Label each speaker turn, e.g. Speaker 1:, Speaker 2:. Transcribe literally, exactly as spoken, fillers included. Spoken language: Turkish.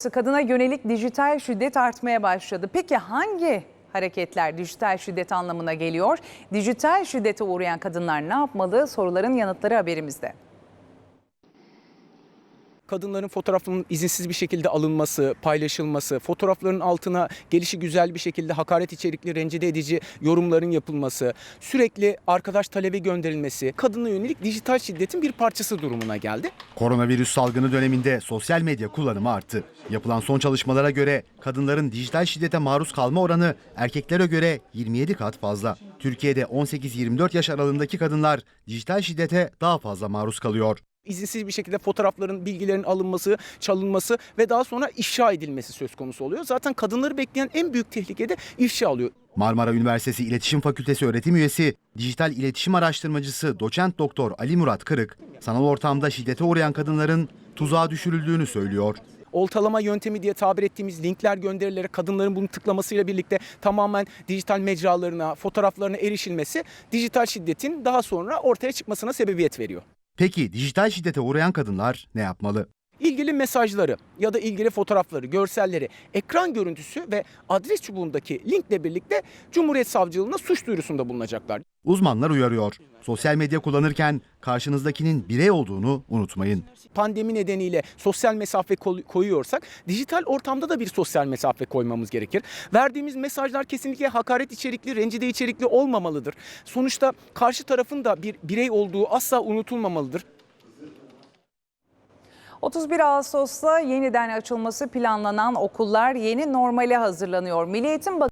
Speaker 1: Kadına yönelik dijital şiddet artmaya başladı. Peki hangi hareketler dijital şiddet anlamına geliyor? Dijital şiddete uğrayan kadınlar ne yapmalı? Soruların yanıtları haberimizde.
Speaker 2: Kadınların fotoğraflarının izinsiz bir şekilde alınması, paylaşılması, fotoğrafların altına gelişi güzel bir şekilde hakaret içerikli, rencide edici yorumların yapılması, sürekli arkadaş talebi gönderilmesi, kadına yönelik dijital şiddetin bir parçası durumuna geldi.
Speaker 3: Koronavirüs salgını döneminde sosyal medya kullanımı arttı. Yapılan son çalışmalara göre kadınların dijital şiddete maruz kalma oranı erkeklere göre yirmi yedi kat fazla. Türkiye'de on sekiz yirmi dört yaş aralığındaki kadınlar dijital şiddete daha fazla maruz kalıyor.
Speaker 2: İzinsiz bir şekilde fotoğrafların, bilgilerin alınması, çalınması ve daha sonra ifşa edilmesi söz konusu oluyor. Zaten kadınları bekleyen en büyük tehlike de ifşa oluyor.
Speaker 3: Marmara Üniversitesi İletişim Fakültesi öğretim üyesi, dijital iletişim araştırmacısı doçent doktor Ali Murat Kırık, sanal ortamda şiddete uğrayan kadınların tuzağa düşürüldüğünü söylüyor.
Speaker 2: Oltalama yöntemi diye tabir ettiğimiz linkler gönderilerek kadınların bunu tıklamasıyla birlikte tamamen dijital mecralarına, fotoğraflarına erişilmesi dijital şiddetin daha sonra ortaya çıkmasına sebebiyet veriyor.
Speaker 3: Peki dijital şiddete uğrayan kadınlar ne yapmalı?
Speaker 2: İlgili mesajları ya da ilgili fotoğrafları, görselleri, ekran görüntüsü ve adres çubuğundaki linkle birlikte Cumhuriyet Savcılığına suç duyurusunda bulunacaklar.
Speaker 3: Uzmanlar uyarıyor. Sosyal medya kullanırken karşınızdakinin birey olduğunu unutmayın.
Speaker 2: Pandemi nedeniyle sosyal mesafe koyuyorsak dijital ortamda da bir sosyal mesafe koymamız gerekir. Verdiğimiz mesajlar kesinlikle hakaret içerikli, rencide içerikli olmamalıdır. Sonuçta karşı tarafın da bir birey olduğu asla unutulmamalıdır.
Speaker 1: otuz bir Ağustos'ta yeniden açılması planlanan okullar yeni normale hazırlanıyor. Milli Eğitim Bakanı